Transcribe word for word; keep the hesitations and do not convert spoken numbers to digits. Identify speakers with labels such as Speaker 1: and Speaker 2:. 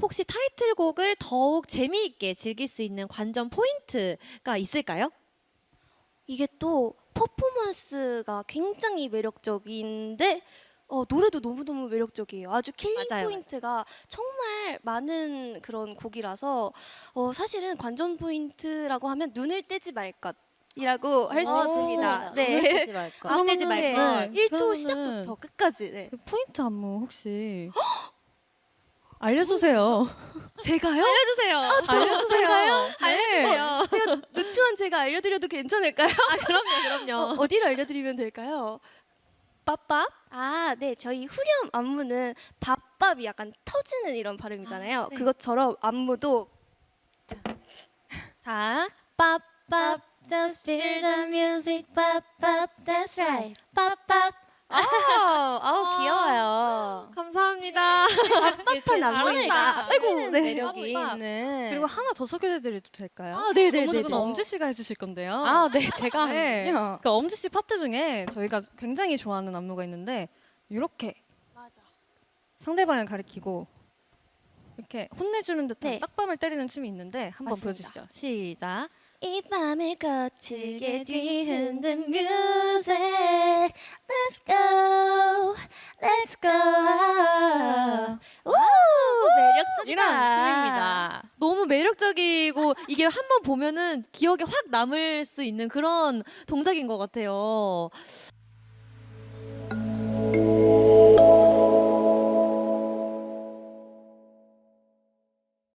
Speaker 1: 혹시 타이틀곡을 더욱 재미있게 즐길 수 있는 관전 포인트가 있을까요?
Speaker 2: 이게 또 퍼포먼스가 굉장히 매력적인데 어, 노래도 너무너무 매력적이에요. 아주 킬링
Speaker 1: 맞아요.
Speaker 2: 포인트가 정말 많은 그런 곡이라서 어, 사실은 관전 포인트라고 하면 눈을 떼지 말 것이라고 할 수
Speaker 3: 아,
Speaker 2: 있습니다.
Speaker 3: 좋습니다.
Speaker 2: 네.
Speaker 3: 눈을 떼지 말 것.
Speaker 1: 안 떼지
Speaker 2: 네.
Speaker 1: 말걸.
Speaker 2: 일 초
Speaker 4: 그러면은
Speaker 2: 시작부터 끝까지. 네.
Speaker 4: 그 포인트 안무 혹시 알려주세요.
Speaker 2: 제가요?
Speaker 1: 알려주세요.
Speaker 4: 알려주세요. 네.
Speaker 1: 알려주세요.
Speaker 2: 제가 누추한 제가 알려드려도 괜찮을까요?
Speaker 1: 아 그럼요, 그럼요.
Speaker 2: 어, 어디를 알려드리면 될까요?
Speaker 4: 빠빠.
Speaker 2: 아, 네. 저희 후렴 안무는 밥밥이 약간 터지는 이런 발음이잖아요.
Speaker 1: 네.
Speaker 2: 그것처럼 안무도
Speaker 4: 자, 빠빠. Just feel the music, pop, pop, that's right. pop, pop.
Speaker 3: 아우, 아우 귀여워요.
Speaker 1: 감사합니다.
Speaker 2: 팝한 안무입니다. 아이고, 네.
Speaker 3: 매력이
Speaker 4: 팝.
Speaker 3: 있는.
Speaker 4: 그리고 하나 더 소개해드려도 될까요?
Speaker 1: 아, 네네네.
Speaker 4: 그건 그건 엄지 씨가 해주실 건데요.
Speaker 3: 아, 네, 제가
Speaker 4: 네.
Speaker 3: 하는군요.
Speaker 4: 그 엄지 씨 파트 중에 저희가 굉장히 좋아하는 안무가 있는데 이렇게
Speaker 2: 맞아.
Speaker 4: 상대방을 가리키고 이렇게 혼내주는 듯한
Speaker 2: 네.
Speaker 4: 딱밤을 때리는 춤이 있는데 한번
Speaker 2: 맞습니다.
Speaker 4: 보여주시죠. 시작.
Speaker 2: 이 밤을 거칠게 뒤흔든 music. Let's go, let's go. 오, 매력적이다.
Speaker 4: 이런 춤입니다.
Speaker 1: 너무 매력적이고 이게 한번 보면은 기억에 확 남을 수 있는 그런 동작인 것 같아요.